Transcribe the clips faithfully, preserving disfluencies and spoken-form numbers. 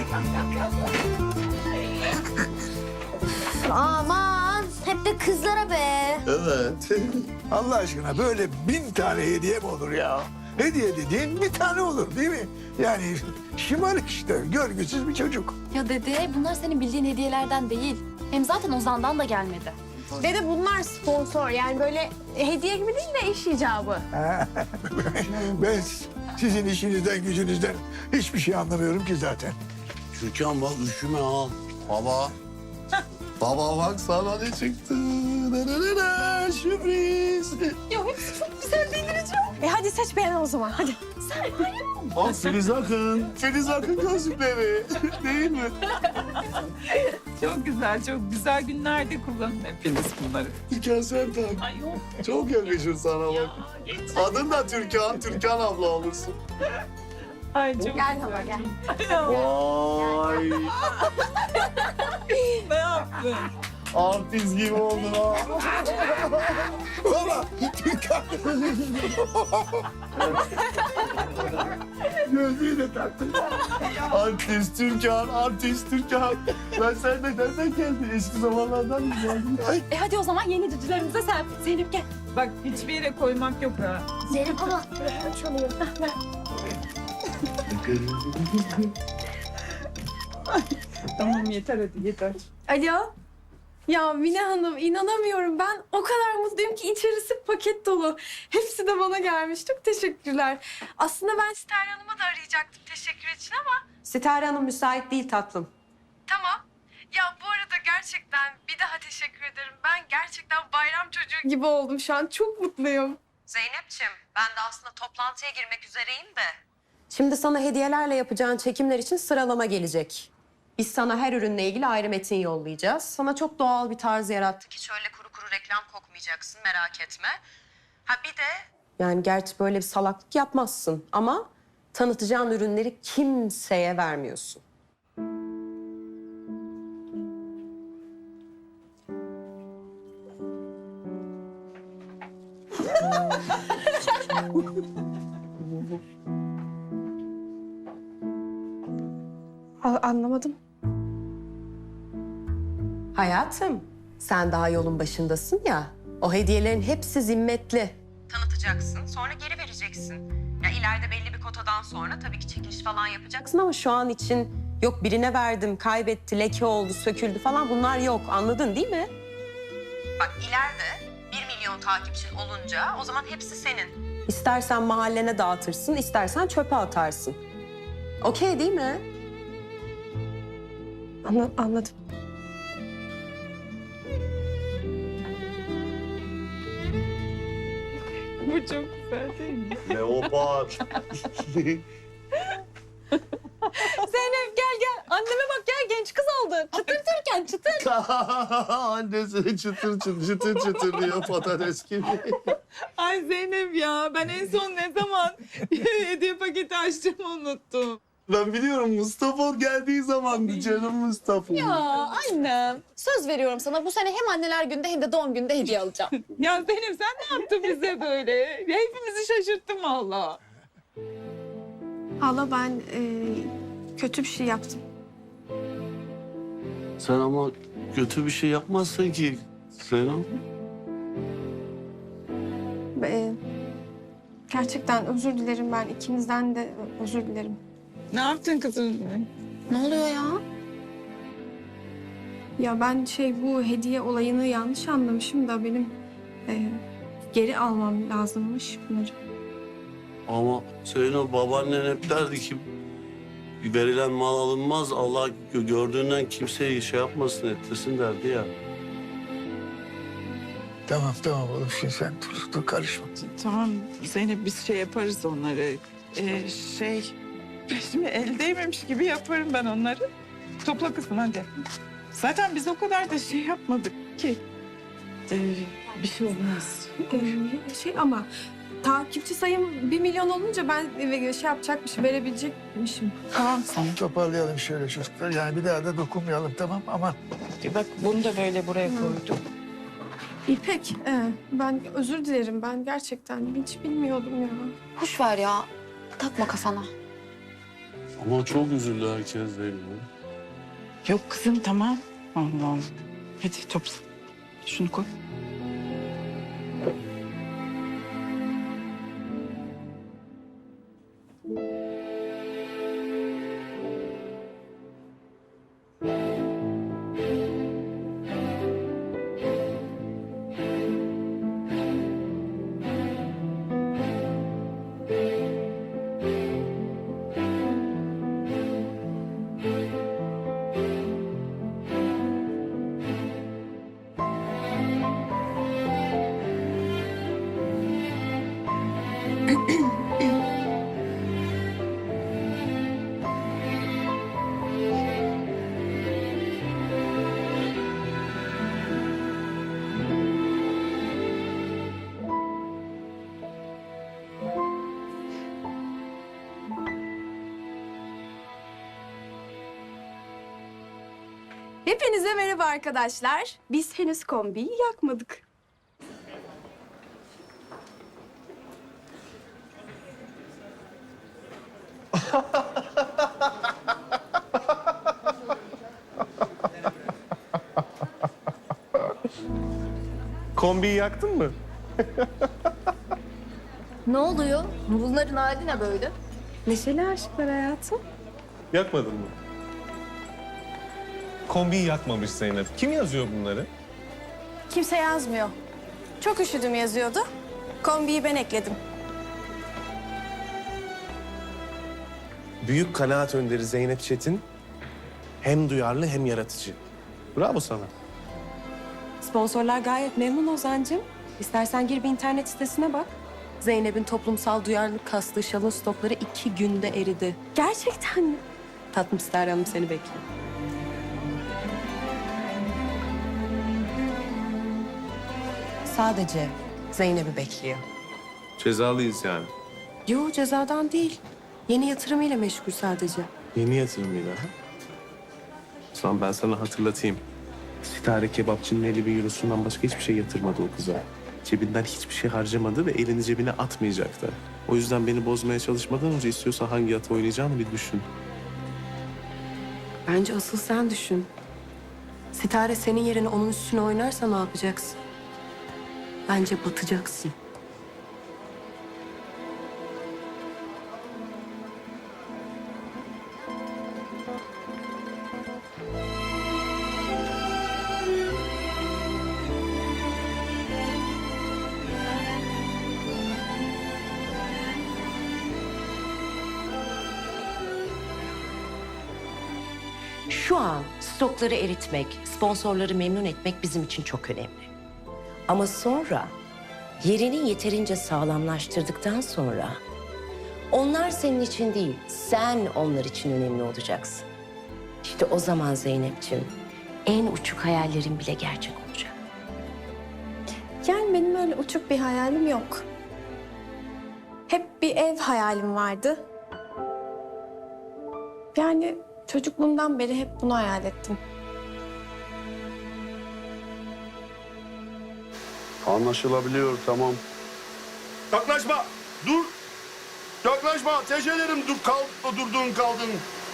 Aman hep de kızlara be. Evet. Allah aşkına böyle bin tane hediye mi olur ya? Hediye dediğin bir tane olur değil mi? Yani şımarık işte, görgüsüz bir çocuk. Ya dede bunlar senin bildiğin hediyelerden değil. Hem zaten Ozan'dan da gelmedi. Dede bunlar sponsor. Yani böyle hediye gibi değil de iş icabı. Ben sizin işinizden, gücünüzden hiçbir şey anlamıyorum ki zaten. Türkan bak üşüme ha. Baba. Baba bak sana ne çıktı. Nerelere sürpriz. E hadi seç beğen o zaman. Hadi. Bak Filiz Akın. Filiz Akın gözlükleri. Değil mi? Çok güzel, çok güzel günlerde kullanın hepiniz bunları. Türkan sen tak. Ay yok. Çok yakışır sana bak. Adın da Türkan. Türkan abla olursun. Ay çok Gel baba gel. Vay. ne yaptın? Artist gibi oldun ha. Valla Türkan. Gözlüğü de taktın. Artist Türkan, artist Türkan. Ben senden nereden geldin? Eski zamanlardan mı geldin? Ay. E hadi o zaman yeni cücülerimize sen. Zeynep gel. Bak hiçbir yere koymak yok ha. Zeynep abla çalıyor. Tamam yeter hadi yeter. Alo. Ya Mine Hanım inanamıyorum. Ben o kadar mutluyum ki içerisi paket dolu. Hepsi de bana gelmiş. Çok teşekkürler. Aslında ben Ster Hanım'ı da arayacaktım teşekkür için ama... Sitare Hanım müsait değil tatlım. Tamam. Ya bu arada gerçekten bir daha teşekkür ederim. Ben gerçekten bayram çocuğu gibi oldum şu an. Çok mutluyum. Zeynep'ciğim ben de aslında toplantıya girmek üzereyim de. Şimdi sana hediyelerle yapacağın çekimler için sıralama gelecek. Biz sana her ürünle ilgili ayrı metin yollayacağız. Sana çok doğal bir tarz yarattık. Hiç öyle kuru kuru reklam kokmayacaksın merak etme. Ha bir de... Yani gerçi böyle bir salaklık yapmazsın ama tanıtacağın ürünleri kimseye vermiyorsun. Anlamadım. Hayatım, sen daha yolun başındasın ya. O hediyelerin hepsi zimmetli. Tanıtacaksın, sonra geri vereceksin. Ya ileride belli bir kotadan sonra tabii ki çekiliş falan yapacaksın ama şu an için yok birine verdim, kaybetti, leke oldu, söküldü falan bunlar yok. Anladın değil mi? Bak ileride bir milyon takipçin olunca o zaman hepsi senin. İstersen mahallene dağıtırsın, istersen çöpe atarsın. Okey değil mi? Anla, anladım. Bu çok güzel değil mi? Leopar. Zeynep gel gel. Anneme bak gel genç kız oldu. Çıtır Türkan çıtır. Annesi çıtır çıtır çıtır çıtır diyor patates gibi. Ay Zeynep ya ben en son ne zaman hediye paketi açtığımı unuttum. Ben biliyorum Mustafa geldiği zamandı canım Mustafa. Ya annem söz veriyorum sana bu sene hem anneler günde hem de doğum günde hediye alacağım. Ya Zeynep sen ne yaptın bize böyle? Hepimizi şaşırttın valla. Hala ben e, kötü bir şey yaptım. Sen ama kötü bir şey yapmazsın ki Zeynep. E, gerçekten özür dilerim ben. İkinizden de özür dilerim. Ne yaptın kızım? Ne oluyor ya? Ya ben şey bu hediye olayını yanlış anlamışım da benim e, geri almam lazımmış bunları. Ama Zeynep babaannen hep derdi ki verilen mal alınmaz. Allah gö- gördüğünden kimseyi şey yapmasın ettirsin derdi ya. Tamam tamam oğlum şimdi sen dur, dur karışma. Tamam Zeynep biz şey yaparız onları. Ee, şey şimdi el değmemiş gibi yaparım ben onları. Topla kızım hadi. Zaten biz o kadar da şey yapmadık ki. Ee, bir şey olmaz. E, şey ama takipçi sayım bir milyon olunca ben e, şey yapacakmışım, verebilecekmişim. Tamam sen. Toparlayalım şöyle çocuklar. Yani bir daha da dokunmayalım tamam aman. Bak bunu da böyle buraya koydum. İpek, e, ben özür dilerim. Ben gerçekten hiç bilmiyordum ya. Hoş ver ya. Takma kafana. Ama çok üzüldü herkes Zeyno. Yok kızım tamam. Allah Allah. Hadi topla. Şunu koy. Hepinize merhaba arkadaşlar. Biz henüz kombiyi yakmadık. Kombiyi yaktın mı? Ne oluyor? Bunların hali ne böyle? Neşeli aşklar hayatım. Yakmadın mı? Kombiyi yakmamış Zeynep. Kim yazıyor bunları? Kimse yazmıyor. Çok üşüdüm yazıyordu. Kombiyi ben ekledim. Büyük kanaat önderi Zeynep Çetin. Hem duyarlı hem yaratıcı. Bravo sana. Sponsorlar gayet memnun Ozan'cığım. İstersen gir bir internet sitesine bak. Zeynep'in toplumsal duyarlılık kastığı şalın stokları iki günde eridi. Gerçekten mi? Tatlım Ster Hanım seni bekliyor. Sadece Zeynep'i bekliyor. Cezalıyız yani. Yo cezadan değil. Yeni yatırımıyla meşgul sadece. Yeni yatırımıyla. Ha? O zaman ben sana hatırlatayım. Sitare kebapçının elli bin eurosundan başka hiçbir şey yatırmadı o kıza. Cebinden hiçbir şey harcamadı ve elini cebine atmayacaktı. O yüzden beni bozmaya çalışmadan önce istiyorsa hangi atı oynayacağını bir düşün. Bence asıl sen düşün. Sitare senin yerine onun üstüne oynarsa ne yapacaksın? Bence batacaksın. Şu an stokları eritmek, sponsorları memnun etmek bizim için çok önemli. Ama sonra yerini yeterince sağlamlaştırdıktan sonra onlar senin için değil, sen onlar için önemli olacaksın. İşte o zaman Zeynep'ciğim en uçuk hayallerin bile gerçek olacak. Yani benim öyle uçuk bir hayalim yok. Hep bir ev hayalim vardı. Yani çocukluğumdan beri hep bunu hayal ettim. Anlaşılabiliyor, tamam. Yaklaşma, dur. Yaklaşma, ateş ederim. Dur, kal, durdun, kaldın.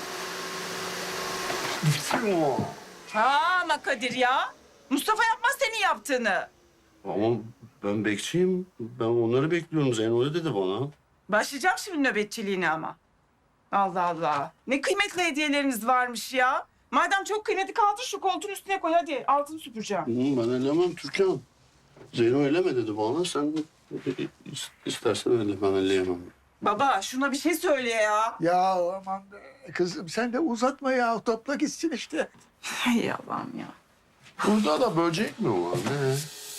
Ha ama Kadir ya. Mustafa yapmaz senin yaptığını. Ama ben bekçiyim. Ben onları bekliyorum. Zeyno öyle dedi bana. Başlayacağım şimdi nöbetçiliğine ama. Allah Allah. Ne kıymetli hediyeleriniz varmış ya. Madem çok kıymetli kaldır şu koltuğun üstüne koy hadi. Altını süpüreceğim. Hı, ben ellemem Türkan. Zeyno elleme dedi bana. Sen istersen elle, ben elleyemem. Baba şuna bir şey söyle ya. Ya aman be, kızım sen de uzatma ya. Topla gitsin işte. Hay Allah'ım ya. Burada da böcek mi var? Ne?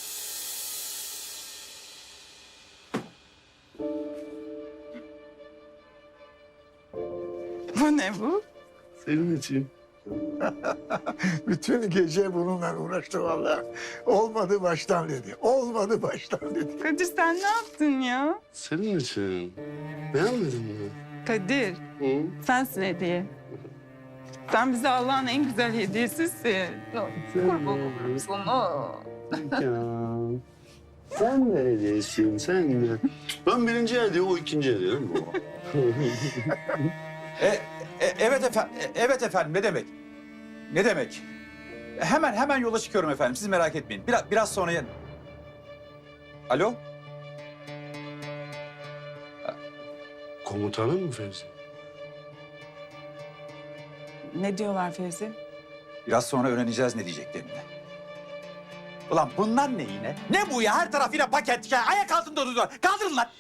Bu ne bu? Senin için. Bütün gece bununla uğraştı vallahi. Olmadı baştan dedi. Olmadı baştan dedi. Kadir sen ne yaptın ya? Senin için. Beğenmedin mi? Kadir Hı? sensin hediye. Sen bize Allah'ın en güzel hediyesisin. Kurban olurum sana. Ya. Sen de hediyesin, sen de. Ben birinci hediye, o ikinci hediye değil mi baba? E, E, evet efendim, evet efendim. Ne demek? Ne demek? Hemen hemen yola çıkıyorum efendim. Siz merak etmeyin. Biraz biraz sonra yen. Alo? Komutanın mı Fevzi? Ne diyorlar Fevzi? Biraz sonra öğreneceğiz ne diyeceklerini. Ulan bunlar ne yine? Ne bu ya? Her taraf yine paket. Ya, ayak altında duruyorlar. Kaldırın lan.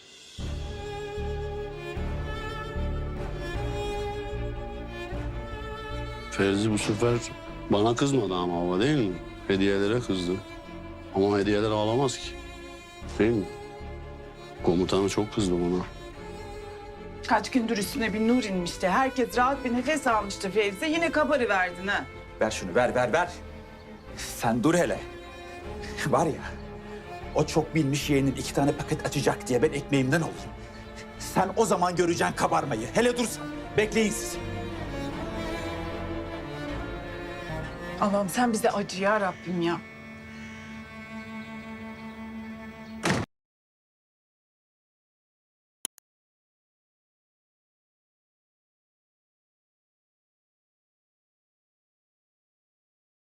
Fevzi bu sefer bana kızmadı ama baba değil mi? Hediyelere kızdı. Ama hediyeler ağlamaz ki. Değil mi? Komutanı çok kızdı bana. Kaç gündür üstüne bir nur inmişti. Herkes rahat bir nefes almıştı Fevzi. Yine kabarıverdin ha. Ver şunu, ver, ver, ver. Sen dur hele. Var ya, o çok bilmiş yeğenin iki tane paket açacak diye ben ekmeğimden olayım. Sen o zaman göreceksin kabarmayı. Hele dur sen. Bekleyin siz. Allah'ım sen bize acı ya Rabbim ya.